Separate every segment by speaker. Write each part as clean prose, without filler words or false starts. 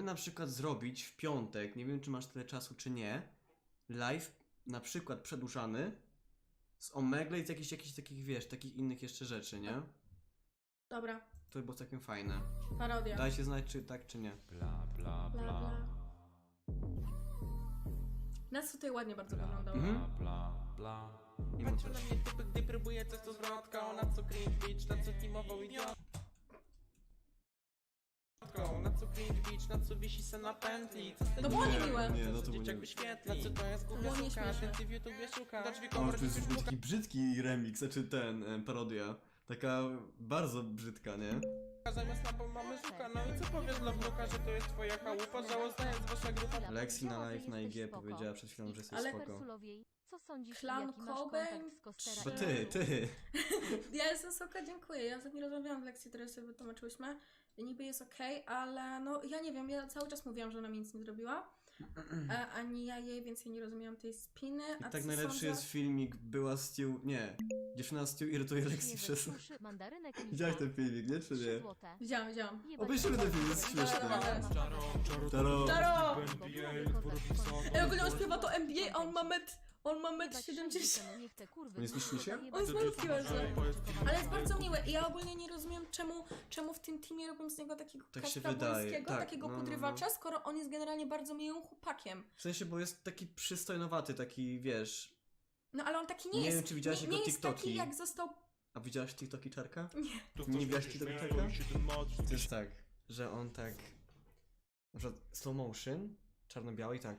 Speaker 1: na przykład zrobić w piątek, nie wiem czy masz tyle czasu czy nie, live na przykład przedłużany z Omegle i z jakichś takich, wiesz, takich innych jeszcze rzeczy, nie?
Speaker 2: Dobra,
Speaker 1: To by było całkiem fajne.
Speaker 2: parodia.
Speaker 1: Dajcie znać czy tak czy nie.
Speaker 3: Bla bla
Speaker 2: Bla,
Speaker 3: bla.
Speaker 2: bla. Nas tutaj ładnie bardzo wyglądało.
Speaker 1: Mhm.
Speaker 3: Bla bla.
Speaker 1: I
Speaker 4: Patrzę na
Speaker 1: montaż.
Speaker 4: mnie typy, gdy próbuję coś to zwrotka. Na co cringe bitch, na co teamował idiotką. Na co cringe bitch, na co wisi se na pętli. Co z tego
Speaker 2: To było
Speaker 4: nie
Speaker 2: niemiłe.
Speaker 1: Nie, no to było
Speaker 4: dzieciak
Speaker 1: nie.
Speaker 4: wyświetli. Na co to jest głupia
Speaker 2: było
Speaker 4: suka,
Speaker 2: nieśmieszne.
Speaker 4: ty w YouTubie szuka. Do drzwi
Speaker 1: O,
Speaker 4: komórki
Speaker 1: to jest
Speaker 4: szuka.
Speaker 1: taki brzydki remix, znaczy parodia. Taka bardzo brzydka, nie?
Speaker 4: Zamiast lampą mamy żuka. No i co powiesz dla wnuka, że to jest twoja chałupa? Żałosna jest wasza grupa.
Speaker 1: Lexi na live na IG powiedziała przed chwilą, że jesteś
Speaker 2: Ale-
Speaker 1: spoko.
Speaker 5: Co sądzisz,
Speaker 2: Klan
Speaker 5: jaki masz
Speaker 2: Cobain,
Speaker 5: kontakt z Kostera
Speaker 1: To
Speaker 5: i
Speaker 1: ty.
Speaker 2: Ja jestem soka, dziękuję. Ja ostatnio rozmawiałam w lekcji, teraz sobie wytłumaczyłyśmy. Niby jest okej, ale no ja nie wiem, ja cały czas mówiłam, że ona mi nic nie zrobiła. Ani ja jej, więc ja nie rozumiałam tej spiny.
Speaker 1: I
Speaker 2: A
Speaker 1: tak
Speaker 2: co
Speaker 1: najlepszy
Speaker 2: sądzę?
Speaker 1: jest filmik, była Stu... Nie. Dziewczyna Stu irytuje Lexi przez...
Speaker 5: Mandarynek
Speaker 1: Widziałeś ten filmik, nie? Czy nie?
Speaker 2: Widziałam.
Speaker 1: Obejrzymy ten film, jest śmieszny.
Speaker 2: Dobra, dobra.
Speaker 1: Czaro.
Speaker 2: Czaro! Ej, ogólnie on śpiewa to NBA, a on ma metr 70.
Speaker 1: On jest niższy?
Speaker 2: On jest malutki bardzo. Ale jest bardzo miły i ja ogólnie nie rozumiem czemu w tym teamie robią z niego takiego
Speaker 1: Tak się
Speaker 2: Kacpra
Speaker 1: wydaje,
Speaker 2: Błońskiego,
Speaker 1: tak,
Speaker 2: takiego
Speaker 1: no.
Speaker 2: podrywacza, skoro on jest generalnie bardzo miłym chłopakiem.
Speaker 1: W sensie, bo jest taki przystojnowaty, taki, wiesz...
Speaker 2: No ale on taki nie
Speaker 1: Nie
Speaker 2: jest.
Speaker 1: wiem, czy widziałaś
Speaker 2: nie
Speaker 1: jego
Speaker 2: jest taki
Speaker 1: TikToki.
Speaker 2: jak został...
Speaker 1: A widziałaś TikToki Czarka?
Speaker 2: Nie.
Speaker 1: Nie widziałaś TikToki Czarka? To jest tak, że on tak... Na przykład slow motion, czarno-biały i tak.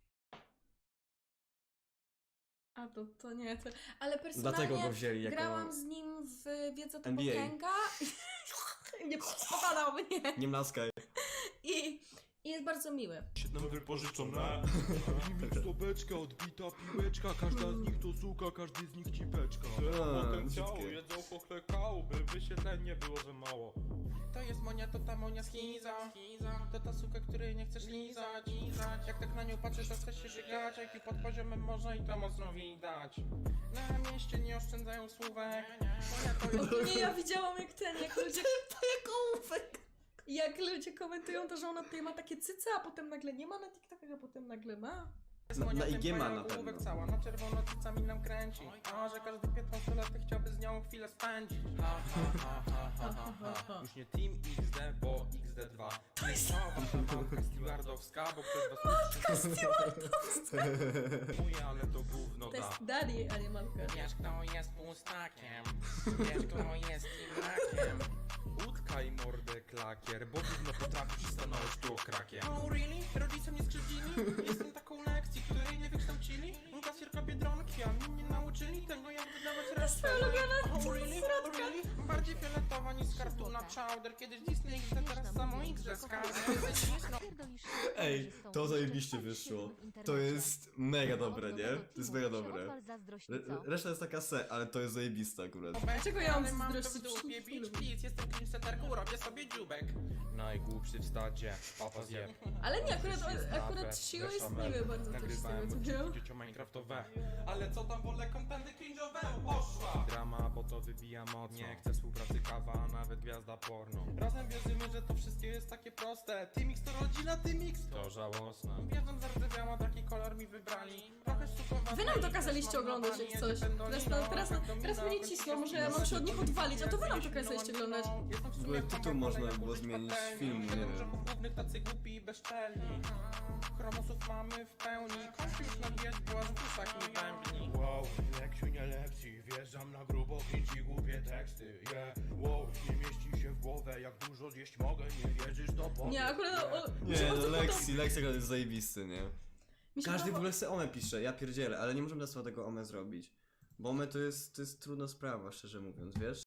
Speaker 2: A to nie, to... Ale personalnie
Speaker 1: Dlatego go wzięli jako...
Speaker 2: grałam z nim w Wiedza to
Speaker 1: NBA.
Speaker 2: potęga. Nie spopadał mnie.
Speaker 1: Nie mlaskaj.
Speaker 2: I jest bardzo miły.
Speaker 3: Nam wypożyczone. Stopeczka, odbita piłeczka. Każda z nich to suka, każdy z nich cipeczka.
Speaker 4: Potencjału,
Speaker 1: brzydkie.
Speaker 4: jedzą pochlekału, by wyświetlenie było za mało. To jest monia, to ta monia z Chiza. To ta suka, której nie chcesz lizać. Jak tak na nią patrzysz, to chcesz się żygać. Jak i pod poziomem morza i to mocno widać. Na mieście nie oszczędzają słówek. Monia to jest...
Speaker 2: Ogólnie ja widziałam jak ludzie... To jak ołówek! Jak ludzie komentują to, że ona tutaj ma takie cyce, a potem nagle nie ma na TikTokach, a potem nagle ma.
Speaker 1: Na IG ma na pewno.
Speaker 4: Cała na czerwono cycami nam kręci. A że każdy 15-latek chciałby z nią chwilę spędzić. Ha, ha, ha, ha, ha, ha, ha. Już nie Team XD, bo XD2. To jest matka stewardowska, bo ktoś was Mówię, ale to gówno
Speaker 2: To jest
Speaker 4: da.
Speaker 2: daddy, a nie mamka.
Speaker 4: Wiesz kto jest pustakiem, wiesz kto jest teamrakiem. Utkaj mordę klakier, bo gówno potrafisz stanąć tu krakiem. Oh really? Rodzice mnie skrzywdzili? Jestem taką lekcji, której nie wykształcili. Kasierka Biedronki, a mnie nie nauczyli tego jak wydawać resztę. Oh really? Oh really? Bardziej fioletowa niż z kartuna Chowder. Kiedyś Disney XD, teraz samo XD skarby.
Speaker 1: Ej, to zajebiście wyszło. To jest mega dobre, nie? To jest mega dobre. Reszta jest taka ale to jest zajebista akurat.
Speaker 2: Dlaczego ja mam
Speaker 4: Mam to w
Speaker 2: zazdrościć?
Speaker 4: dupie, bitch, please. Jestem cringe-seterką, robię sobie dziubek. Najgłupszy w stadzie, papa zjeb.
Speaker 2: Ale nie, akurat Shio jest miły bardzo też z
Speaker 4: Nagrywałem
Speaker 2: tego, co wziął.
Speaker 4: odcinki Minecraftowe. Ale co tam wolę kontenty cringe'owe? Poszła! Drama, bo to wybija moc. Nie chcę współpracy kawa, a nawet gwiazda porno. Razem wierzymy, że to wszystkie jest takie proste. Tymix to rodzina, Tymix to żałosne. Wierzę, zardzewiała, taki kolor mi wybrali. Trochę sztukowa.
Speaker 2: Wy nam to kazaliście oglądać jak coś. Teraz mnie nie cisną, może ja mam się od nich odwalić, a to wy nam to kazaliście oglądać.
Speaker 1: W ogóle tytuł można było zmienić z filmu, nie wiem.
Speaker 4: Głównych tacy głupi i bezczelni. Chromosów mamy w pełni. Kościół już nam jest, bo aż w uszach mi bębni.
Speaker 3: Wow, Leksiu nie lepsi. Wjeżdżam na grubo, kręci głupie teksty. Yeah, wow, nie mieści się w głowę. Jak dużo zjeść mogę, nie wierzysz to powiem.
Speaker 2: Nie, akurat...
Speaker 1: Nie, no Lexi akurat jest zajebisty, nie?
Speaker 2: Mi się
Speaker 1: Każdy w
Speaker 2: podoba-
Speaker 1: ogóle sobie Ome pisze, ja pierdzielę, ale nie możemy dla sobie tego Ome zrobić. Bo Ome to jest trudna sprawa, szczerze mówiąc, wiesz?